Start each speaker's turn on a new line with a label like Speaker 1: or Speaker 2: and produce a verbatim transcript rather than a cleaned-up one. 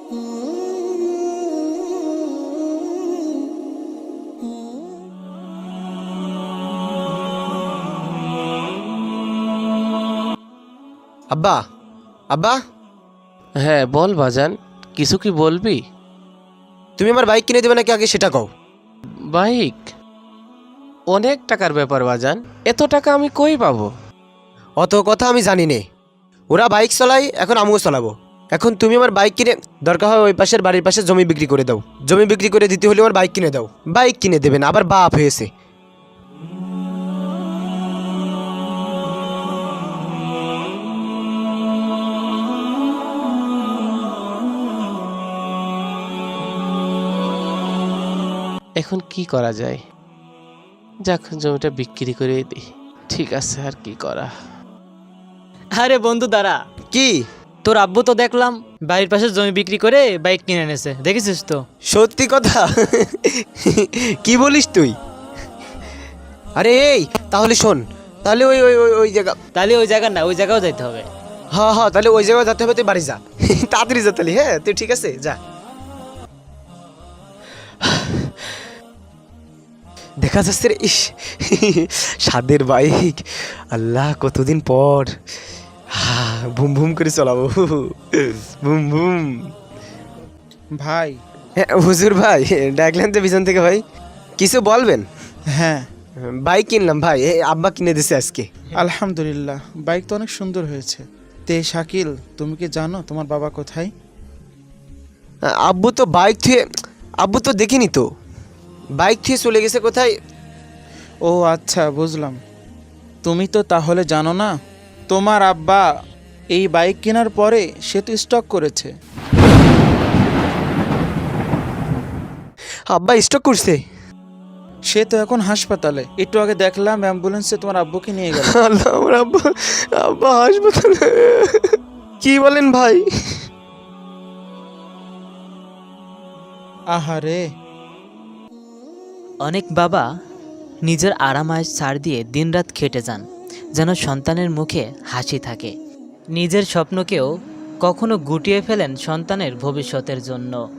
Speaker 1: আব্বা, আব্বা,
Speaker 2: হ্যাঁ বল বাজান, কিছু কি বলবি?
Speaker 1: তুমি আমার বাইক কিনে দেবে নাকি আগে সেটা কও।
Speaker 2: বাইক? অনেক টাকার ব্যাপার বাজান, এত টাকা আমি কই পাবো?
Speaker 1: অত কথা আমি জানি নে। ওরা বাইক চালাই, এখন আমিও চালাবো। এখন তুমি আমার বাইক কিনে, দরকার হয় ওই পাশের বাড়ির পাশে জমি বিক্রি করে দাও। জমি বিক্রি করে দিতে হলে আমার বাইক কিনে দাও। বাইক কিনে দেবেন, আবার বাপ হয়েছে।
Speaker 2: এখন কি করা যায়? যাক, জমিটা বিক্রি করে দিই। ঠিক আছে, আর কি করা।
Speaker 3: আরে বন্ধু দাঁড়া,
Speaker 1: কি?
Speaker 3: তোর আব্বু তো দেখলাম বাড়ির পাশে জমি বিক্রি করে বাইক কিনে এনেছে, দেখেছিস তো?
Speaker 1: সত্যি কথা? কি বলিস তুই? আরে এই, তাহলে শোন, তাহলে ওই ওই ওই ওই জায়গা,
Speaker 3: তাহলে ওই জায়গা না, ওই জায়গাও যাইতে হবে।
Speaker 1: হ্যাঁ হ্যাঁ, তাহলে ওই জায়গায় যেতে হবে। তুই বাড়ি যা, তাড়াতাড়ি যা তাহলে। হ্যাঁ তুই ঠিক আছে, যা। দেখা যাচ্ছে রে, ইস স্বাদের বাইক। আল্লাহ, কতদিন পর ভুম ভুম করে চালাবো, ভুম ভুম।
Speaker 4: ভাই।
Speaker 1: হ্যাঁ হুজুর ভাই, ডাকলেন তো পিছন থেকে ভাই, কিছু বলবেন?
Speaker 4: হ্যাঁ,
Speaker 1: বাইক কিনলাম ভাই, এই আব্বা কিনে দিছে আজকে।
Speaker 4: আলহামদুলিল্লাহ, বাইক তো অনেক সুন্দর হয়েছে। তে শাকিল, তুমি কি জানো তোমার বাবা কোথায়?
Speaker 1: আব্বু তো বাইক থুয়ে, আব্বু তো দেখিনি তো, বাইক থুয়ে চলে গেছে কোথায়।
Speaker 4: ও আচ্ছা, বুঝলাম। তুমি তো তাহলে জানো না, তোমার আব্বা এই বাইক কেনার পরে সে তো স্টক করেছে।
Speaker 1: আব্বা স্টক করছে?
Speaker 4: সে তো এখন হাসপাতালে, একটু আগে দেখলাম অ্যাম্বুলেন্সে তোমার আব্বুকে নিয়ে গেল।
Speaker 1: আল্লাহ, আমার আব্বা, আব্বা হাসপাতালে? কি বলেন ভাই?
Speaker 4: আহারে।
Speaker 5: অনেক বাবা নিজের আরামায়েশ ছাড় দিয়ে দিনরাত খেটে যান, যেন সন্তানের মুখে হাসি থাকে। নিজের স্বপ্নকেও কখনো গুটিয়ে ফেলেন সন্তানের ভবিষ্যতের জন্য।